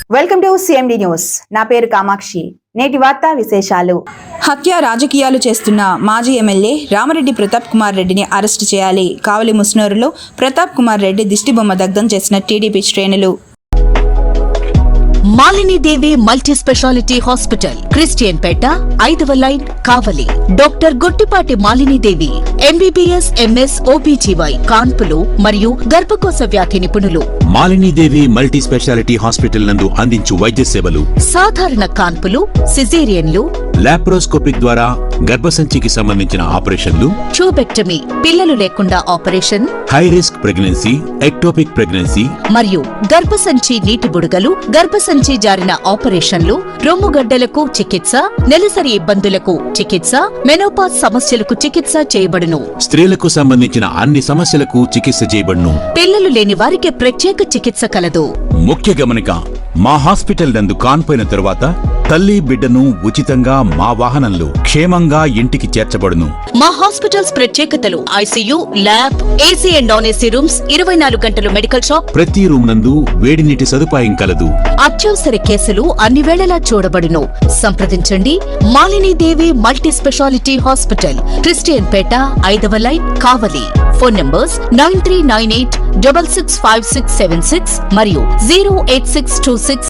Welcome to CMD news. నా పేరు కామాక్షి. నేటి వార్తా విశేషాలు. హత్య రాజకీయాలు చేస్తున్న మాజీ ఎమ్మెల్యే రామరెడ్డి ప్రతాప్ కుమార్ రెడ్డిని అరెస్టు చేయాలి. కావలి ముస్నూరులో ప్రతాప్ కుమార్ రెడ్డి దిష్టిబొమ్మ దగ్ధం చేసిన టీడీపీ శ్రేణులు. Malinidevi multi specialty hospital, Christian Peta, 5వ line, Kavali. Doctor Gottipati Malinidevi, MBBS, MS, OBGY, కాన్పులు మరియు గర్భకోశ వ్యాధి నిపుణులు. మాలినీదేవి మల్టీ స్పెషాలిటీ హాస్పిటల్ నందు అందించు వైద్య సేవలు: సాధారణ కాన్పులు, సిజేరియన్లు, లాప్రోస్కోపిక్ ద్వారా గర్భసంచికి సంబంధించిన ఆపరేషన్లు, ట్యూబెక్టమీ, పిల్లలు లేకుండా operation, high risk pregnancy, ectopic pregnancy మరియు గర్భసంచి నీటి బుడగలు, గర్భసంచి జారిన ఆపరేషన్లు, రొమ్ముగడ్డలకు చికిత్స, నెలసరి ఇబ్బందులకు చికిత్స, మెనోపాజ్ సమస్యలకు చికిత్స చేయబడును. స్త్రీలకు సంబంధించిన అన్ని సమస్యలకు చికిత్స చేయబడును. పిల్లలు లేని వారికి ప్రత్యేక చికిత్స కలదు. ముఖ్య గమనిక: మా హాస్పిటల్ నందు కాన్పోయిన తరువాత తల్లి బిడ్డను ఉచితంగా మా వాహనంలో క్షేమంగా ఇంటికి చేర్చబడును. మా హాస్పిటల్స్ ప్రత్యేకతలు: ICU, lab, AC and non AC rooms, 24 గంటలు మెడికల్ షాప్, ప్రతి రూమ్ నందు వేడి నీటి సదుపాయం కలదు. అత్యవసర కేసులు అన్ని వేళలా చూడబడును. సంప్రదించండి. Malinidevi multi specialty hospital, Christian Peta, 5వ లైన్, కావలి. ఫోన్ నంబర్స్ 9398665676 మరియు 08626